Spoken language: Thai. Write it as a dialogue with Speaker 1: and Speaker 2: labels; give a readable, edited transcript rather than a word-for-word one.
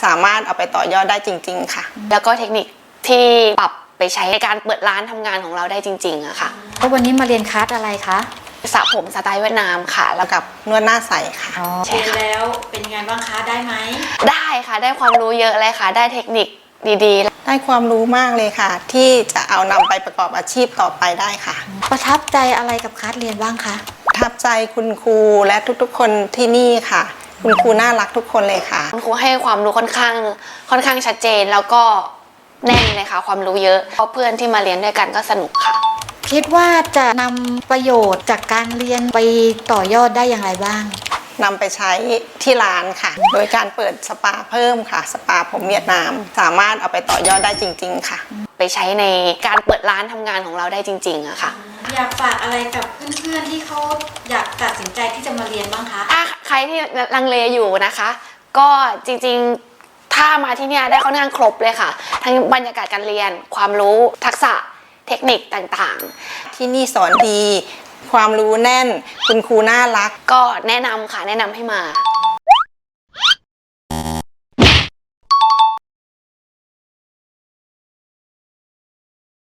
Speaker 1: สามารถเอาไปต่อยอดได้จริงๆค่ะ
Speaker 2: แล้วก็เทคนิคที่ปรับไปใช้ในการเปิดร้านทำงานของเราได้จริงๆอะค่ะ
Speaker 3: แล้ววันนี้มาเรียนคลาสอะไรคะ
Speaker 2: สระผมสไตล์เวียดนามค่ะแล้ว
Speaker 1: กับนวดหน้าใสค่ะ
Speaker 3: เรียนแล้วเป็นไงบ้างคะได้ไหม
Speaker 2: ได้ค่ะได้ความรู้เยอะเลยค่ะได้เทคนิคดีๆ
Speaker 1: ได้ความรู้มากเลยค่ะ ที่จะเอานำไปประกอบอาชีพต่อไปได้ค่ะ
Speaker 3: ประทับใจอะไรกับคลาสเรียนบ้างคะ
Speaker 1: ประทับใจคุณครูและทุกๆคนที่นี่ค่ะคุณครูน่ารักทุกคนเลยค่ะ
Speaker 2: คุณครูให้ความรู้ค่อนข้างชัดเจนแล้วก็แน่นเลยค่ะความรู้เยอะเพราะเพื่อนที่มาเรียนด้วยกันก็สนุกค่ะ
Speaker 3: คิดว่าจะนำประโยชน์จากการเรียนไปต่อยอดได้อย่างไรบ้าง
Speaker 1: นำไปใช้ที่ร้านค่ะโดยการเปิดสปาเพิ่มค่ะสปาผมเวียดนามสามารถเอาไปต่อยอดได้จริงๆค่ะ
Speaker 2: ไปใช้ในการเปิดร้านทำงานของเราได้จริงๆอะค่ะ
Speaker 3: อยากฝากอะไรกับเพื่อนๆที่เขาอยากตัดสินใจที่จะมาเรียนบ้างคะ
Speaker 2: ถ้าใครที่ลังเลอยู่นะคะก็จริงๆถ้ามาที่นี่ได้ค่อนข้างครบเลยค่ะทั้งบรรยากาศการเรียนความรู้ทักษะเทคนิคต่าง
Speaker 1: ๆที่นี่สอนดีความรู้แน่นคุณครูน่ารัก
Speaker 2: ก็แนะนำค่ะแนะนำให้มา